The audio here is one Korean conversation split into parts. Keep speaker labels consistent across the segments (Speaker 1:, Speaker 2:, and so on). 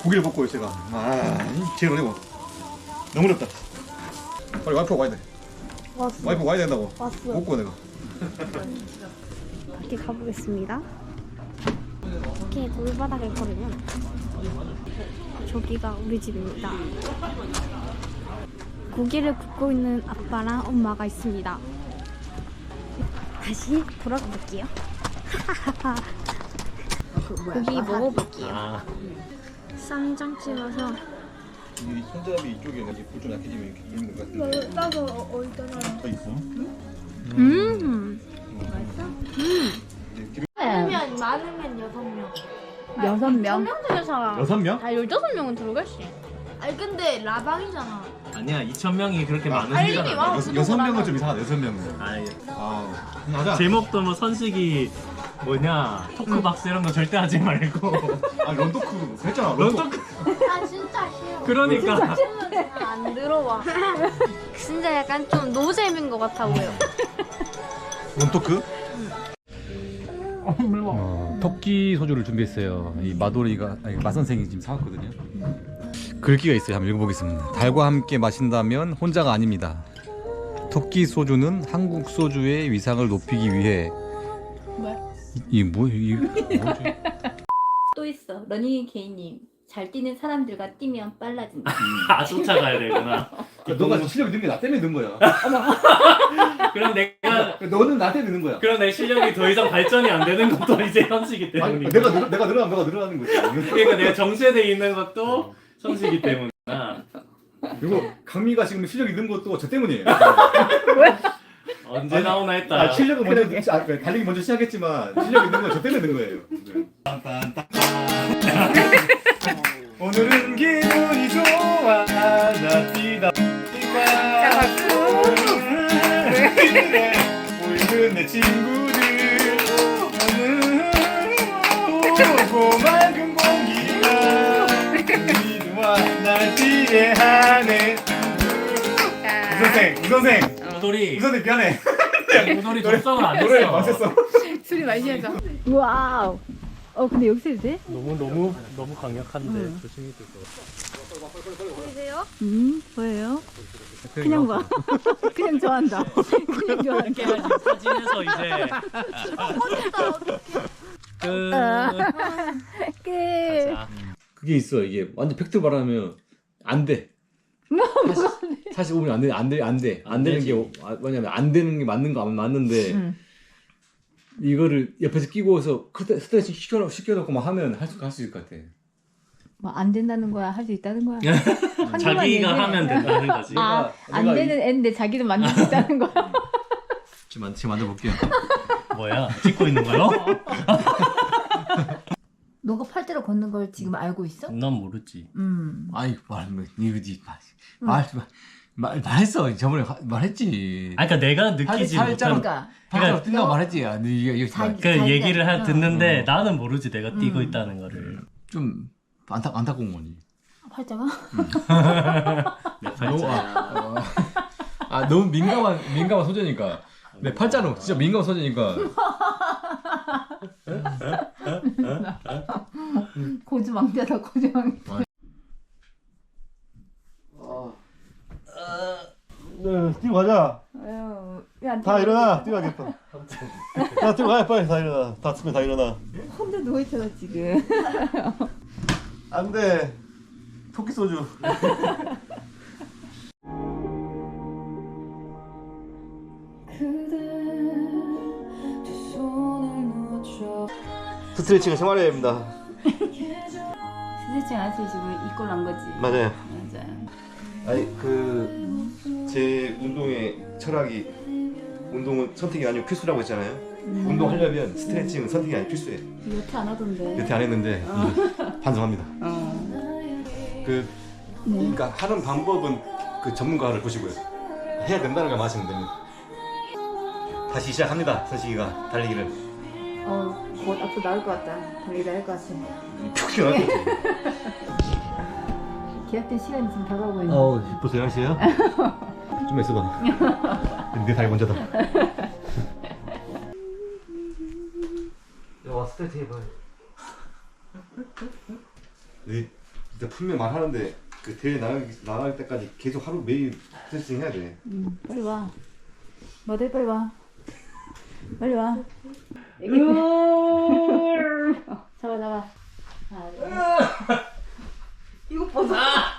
Speaker 1: 고기를 먹고 제가 제일 어려워. 너무 어렵다. 빨리 와이프가 와야 돼.
Speaker 2: 왔어.
Speaker 1: 와이프 와야 된다고.
Speaker 2: 왔어.
Speaker 1: 먹고 내가.
Speaker 2: 밖에 가보겠습니다. 이렇게 돌바닥을 걸으면 저기가 우리 집입니다. 고기를 굽고 있는 아빠랑 엄마가 있습니다. 다시 돌아가 볼게요. 고기 먹어볼게요. 쌈장 찍어서.
Speaker 1: 이 손잡이 이쪽에 불좀 약해지면 이렇게 있는 것 같은데.
Speaker 2: 따서 어디다 놔요?
Speaker 1: 더 있어?
Speaker 2: 많으면 6명.
Speaker 3: 6명?
Speaker 2: 6명 중에서
Speaker 1: 6명?
Speaker 2: 15명은 들어갈지. 아니 근데 라방이잖아.
Speaker 4: 아니야 2,000명이 그렇게
Speaker 2: 알림이
Speaker 4: 많으니까.
Speaker 2: 와.
Speaker 1: 6명은 좀 이상하다. 6명은.
Speaker 4: 아니
Speaker 1: 맞아.
Speaker 4: 제목도 뭐 선식이 뭐냐 토크박스 이런 거 절대 하지 말고.
Speaker 1: 런토크 했잖아.
Speaker 4: 런토크.
Speaker 2: 아 진짜 싫어.
Speaker 4: 그러니까.
Speaker 2: 안 들어와. 진짜 약간 좀 노잼인 것 같아 보여.
Speaker 1: 런토크?
Speaker 5: 토끼 소주를 준비했어요. 이 마도리가 마 선생이 지금 사왔거든요. 글귀가 있어요. 한번 읽어보겠습니다. 달과 함께 마신다면 혼자가 아닙니다. 토끼 소주는 한국 소주의 위상을 높이기 위해. 이 뭐지?
Speaker 3: 또 있어. 러닝 개인님. 잘 뛰는 사람들과 뛰면 빨라진다.
Speaker 4: 아 쫓아가야 되구나.
Speaker 1: 너가 실력이 는 게 나 때문에 는 거야.
Speaker 4: 그럼 내가
Speaker 1: 너는 나한테 느는 거야.
Speaker 4: 그럼 내 실력이 더 이상 발전이 안 되는 것도 이제 현식이
Speaker 1: 아니,
Speaker 4: 때문이고.
Speaker 1: 내가 늘어나면 너가 늘어나는 거지.
Speaker 4: 그러니까 내가 정체돼 있는 것도 현식이 때문이구나.
Speaker 1: 그리고 강미가 지금 실력이 는 것도 저 때문이에요.
Speaker 4: 언제 나오나 했다.
Speaker 1: 실력은 먼저 달리기 먼저 시작했지만 실력이 는 건 저 때문에 는 거예요. 오늘은 기분이 좋아 나 뛰다 보이는 내 친구들 고맑은 공기가 우리와 날 뛰게 하네. 우선생
Speaker 4: 우돌이
Speaker 1: 미안해.
Speaker 4: 우돌이 적성을 안
Speaker 1: 노래
Speaker 4: 했어.
Speaker 1: 맞았어.
Speaker 3: 술이 많이 하자. 와우. 근데 여기서 해도 돼?
Speaker 4: 너무 강력한데 조심히 될 거.
Speaker 2: 보이세요?
Speaker 3: 뭐예요? 그냥 봐. 그냥 좋아한다. 그냥 좋아한다.
Speaker 4: 사진에서 이제
Speaker 3: 끝.
Speaker 5: 그게 있어. 이게 완전 팩트 말하면 안 돼. 사실 보면 안 돼. 안 되는 게 뭐냐면 안 되는 게 맞는 거 맞는데 이거를 옆에서 끼고서 스트레칭 시켜놓고 막 하면 할 수 있을 것 같아.
Speaker 3: 뭐 안 된다는 거야? 할 수 있다는 거야?
Speaker 4: 자기가 하면 된다는 거지.
Speaker 3: 안 되는 애인데 자기도 만들 수 있다는 거야?
Speaker 5: 지금 만들어 볼게요.
Speaker 4: 뭐야? 찍고 있는 거요?
Speaker 3: 너가 팔대로 걷는 걸 지금 알고 있어?
Speaker 4: 난 모르지.
Speaker 5: 아이 말했어. 저번에 말했지.
Speaker 4: 아, 그러니까 내가 느끼지 못한.
Speaker 3: 그러니까
Speaker 5: 팔자로 뛴다고 말했지. 이게
Speaker 4: 그 얘기를 듣는데 나는 모르지 내가 뛰고 있다는 거를.
Speaker 5: 좀 안타까운 거니.
Speaker 3: 팔자가?
Speaker 4: 내 팔자.
Speaker 5: 너무 민감한 소재니까. 내 팔자는 진짜 민감한 소재니까.
Speaker 3: 고주망대다 고주망대.
Speaker 1: 뛰고 가자.
Speaker 3: 왜안
Speaker 1: 다 일어나. 뛰어야겠다. 야 뛰고 가야 빨리 다 일어나. 다치면 다 일어나.
Speaker 3: 혼자 누워있잖아 지금.
Speaker 1: 안돼. 토끼 소주. 스트레칭은 생활해야 됩니다.
Speaker 3: 스트레칭 안 해서 지금 이꼴 난 거지.
Speaker 1: 맞아요.
Speaker 3: 맞아요.
Speaker 1: 아니 제 운동의 철학이 운동은 선택이 아니고 필수라고 했잖아요. 운동하려면 스트레칭은 선택이 아니고 필수예요.
Speaker 3: 여태 안 하던데.
Speaker 1: 여태 안 했는데 반성합니다. 그러니까 하는 방법은 그 전문가를 보시고요. 해야 된다는 걸 마시면 됩니다. 다시 시작합니다. 선식이가 달리기를.
Speaker 3: 곧 앞으로 나올 것 같다. 달리다 할 것 같아.
Speaker 1: 푹 튀어나왔겠지.
Speaker 3: 계약된 시간이 지금 다가오고 있는.
Speaker 1: 벌써 11시에요? 좀 있어봐. 내 다리 먼저다. 와 스트레칭 해봐. 네. 진짜 분명 말하는데 그 대회 나갈 때까지 계속 하루 매일 테스팅 해야 돼.
Speaker 3: 빨리 와. 모델 빨리 와. 빨리 와. 잡아 잡아.
Speaker 6: 이거 벗어.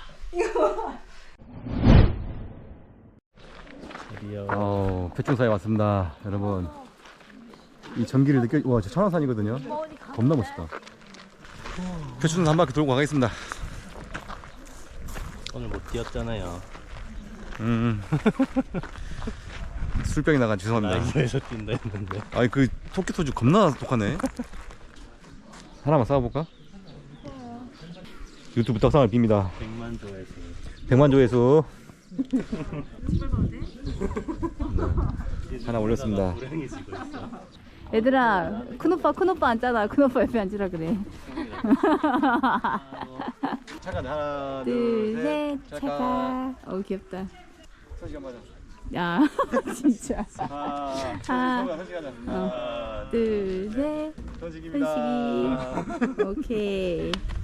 Speaker 5: 패충사에 왔습니다, 여러분. 이 전기를 와, 저 천왕산이거든요. 겁나 멋있다. 패충산 한 바퀴 돌고 가겠습니다.
Speaker 4: 오늘 못 뛰었잖아요.
Speaker 5: 술병이 나가 죄송합니다.
Speaker 4: 라이브에서 뛴다 했는데.
Speaker 5: 아니 그 토끼 소주 겁나 독하네. 하나만 싸워볼까? 유튜브 떡상을 빕니다.
Speaker 4: 100만 조회수.
Speaker 5: 100만 조회수. 네. 하나 올렸습니다.
Speaker 4: 불행해지고 있어.
Speaker 3: 얘들아, 큰오빠 앉잖아. 큰오빠 옆에 앉으라 그래.
Speaker 5: 잠깐 하나
Speaker 3: 둘, 셋, 차가. 어우 귀엽다. 야, 진짜. 하나, 둘, 셋.
Speaker 5: 던지기입니다.
Speaker 3: 오케이.